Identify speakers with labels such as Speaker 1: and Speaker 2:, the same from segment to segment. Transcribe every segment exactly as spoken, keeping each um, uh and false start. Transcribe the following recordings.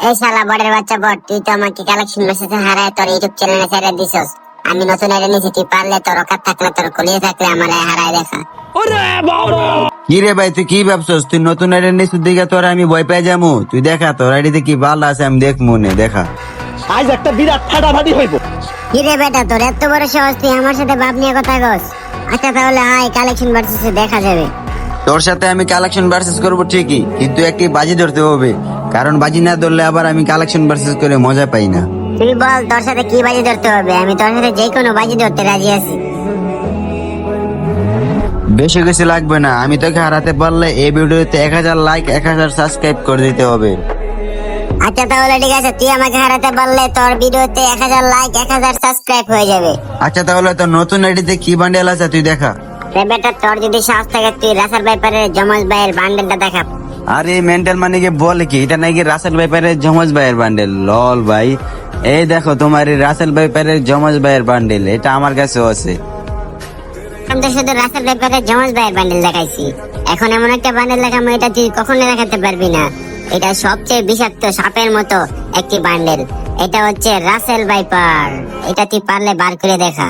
Speaker 1: এই শালা বড়ের বাচ্চা বট, তুই তো আমাকে কালেকশন মেসেজে হারায় তোর ইউটিউব চ্যানেলে ছেড়ে দিছস। আমি নতুন আইডি নিয়েছি, তুই পারলে তোর অকাত থাকলে তোর কলিয়ে থাকলে আমার হারায় দেখা।
Speaker 2: কি রে ভাই, তুই কি ভাবছস? তুই নতুন আইডি নিছিস দিকে তোর আমি ভয় পেয়ে যাবো? তুই দেখা তোর আইডিতে কি ভালো আছে আমি দেখ মনে দেখা।
Speaker 3: আজ একটা বিরাট ফাটাফাটি হইব।
Speaker 1: কি রে বেটা, তোর এত বড় সাহস, তুই আমার সাথে বাপ নিয়ে কথা কস? আচ্ছা তাহলে আয়, কালেকশন ভার্সেসে দেখা যাবে।
Speaker 2: তোর সাথে আমি কালেকশন ভার্সেস করবো ঠিকই, কিন্তু একটি বাজি ধরতে হবে, কারণ বাজি না ধরলে আবার আমি কালেকশন ভার্সেস করে মজা পাই না।
Speaker 1: তুই বল তোর সাথে কি বাজি ধরতে হবে, আমি তোর সাথে যে কোনো বাজি ধরতে রাজি আছি।
Speaker 2: বেশি কিছু লাগবে না, আমি তোকে হারাতে পারলে এই ভিডিওতে এক হাজার লাইক এক হাজার সাবস্ক্রাইব করে দিতে হবে।
Speaker 1: আচ্ছা তাহলে ঠিক আছে, তুই আমাকে হারাতে পারলে তোর ভিডিওতে এক হাজার লাইক এক হাজার সাবস্ক্রাইব হয়ে যাবে।
Speaker 2: আচ্ছা তাহলে তোর নতুন আইডিতে কি বান্ডেল আছে তুই দেখা।
Speaker 1: রে বেটা, তোর যদি সাহস থাকে তুই রাসার ব্যাপারের জমজ ভাইয়ের বান্ডেলটা দেখা।
Speaker 2: আরে মেন্টাল মানে কি বলে কি, এটা নাকি রাসেল ভাইপারের জমজ ভাইয়ের বান্ডেল? লল ভাই, এই দেখো তোমার এই রাসেল ভাইপারের জমজ ভাইয়ের বান্ডেল, এটা আমার কাছেও আছে।
Speaker 1: আমি তো শুধু রাসেল ব্যাপারের জমজ ভাইয়ের বান্ডেল দেখাইছি, এখন এমন একটা বান্ডেল দেখাবো এটা তুই কখনো দেখাতে পারবি না। এটা সবচেয়ে বিষাক্ত সাপের মতো একটি বান্ডেল, এটা হচ্ছে রাসেল ভাইপার। এটা তুই পারলে বার করে দেখা।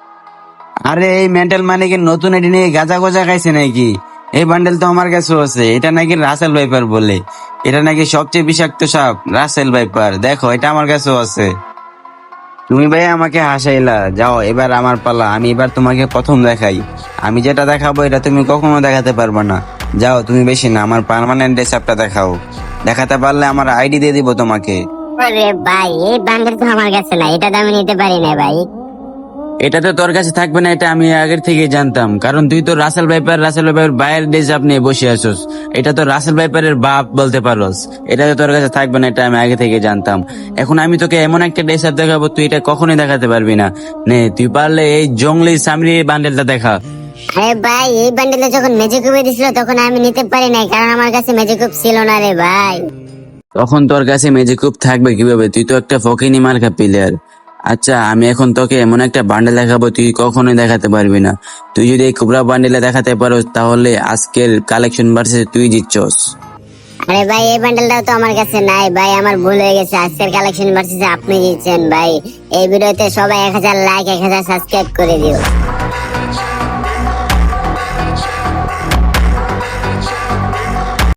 Speaker 2: আরে এই মেন্টাল মানে কি নতুন আইডি নিয়ে গাজা গোজা খাইছে নাকি? এই বান্ডেল তো আমার কাছেও আছে, এটা নাকি রাসেল ভাইপার বলে। এটা নাকি সবচেয়ে বিষাক্ত সাপ, রাসেল ভাইপার। দেখো এটা আমার কাছেও আছে। তুমি ভাই আমাকে হাসাইলা, যাও এবার আমার পালা, আমি এবার তোমাকে প্রথম দেখাই। আমি যেটা দেখাবো এটা তুমি কখনো দেখাতে পারবে না। যাও তুমি বেশি না, আমার পার্মানেন্ট সাপটা দেখাও। দেখাতে পারলে আমার আইডি দিয়ে দিব তোমাকে।
Speaker 1: আরে ভাই, এই বান্ডেল তো আমার কাছে না, এটা তো আমি নিতে পারি না ভাই।
Speaker 2: এটা তো তোর কাছে থাকবে না, এটা আমি আগের থেকে জানতাম, কারণ তুই তো রাসেল ভাইপার রাসেল ভাইপার বাইরের ডেজ আপনি বসে আছোস। এটা তো রাসেল ভাইপারের বাপ বলতে পারোস, এটা তো তোর কাছে থাকবে না, এটা আমি আগে থেকে জানতাম। এখন আমি তোকে এমন একটা ডেজ আপ দেখাবো, তুই এটা কখনোই দেখাতে পারবি না। নে তুই পারলে এই জঙ্গলি সামরি বান্ডেলটা দেখা।
Speaker 1: আরে ভাই, এই বান্ডেলটা যখন মেজিকুপে দিছিল তখন আমি নিতে পারি নাই, কারণ আমার কাছে মেজিকুপ ছিল না রে ভাই।
Speaker 2: তখন তোর কাছে ম্যাজিকুপ থাকবে কিভাবে? তুই তো একটা ফকিনি মার্কা প্লেয়ার। আচ্ছা আমি এখন তোকে এমন একটা বান্ডেল দেখাবো, তুই কখনোই দেখাতে পারবি না। তুই যদি এই কুবরা বান্ডেলে দেখাতে পারো তাহলে আজকের কালেকশন ভার্সেস তুই জিতছস।
Speaker 1: আরে ভাই, এই বান্ডেলটাও তো আমার কাছে নাই ভাই, আমার ভুল হয়ে গেছে। আজকের কালেকশন ভার্সেসে আপনি জিতছেন ভাই। এই ভিডিওতে সবাই এক হাজার লাইক এক হাজার সাবস্ক্রাইব করে দিও।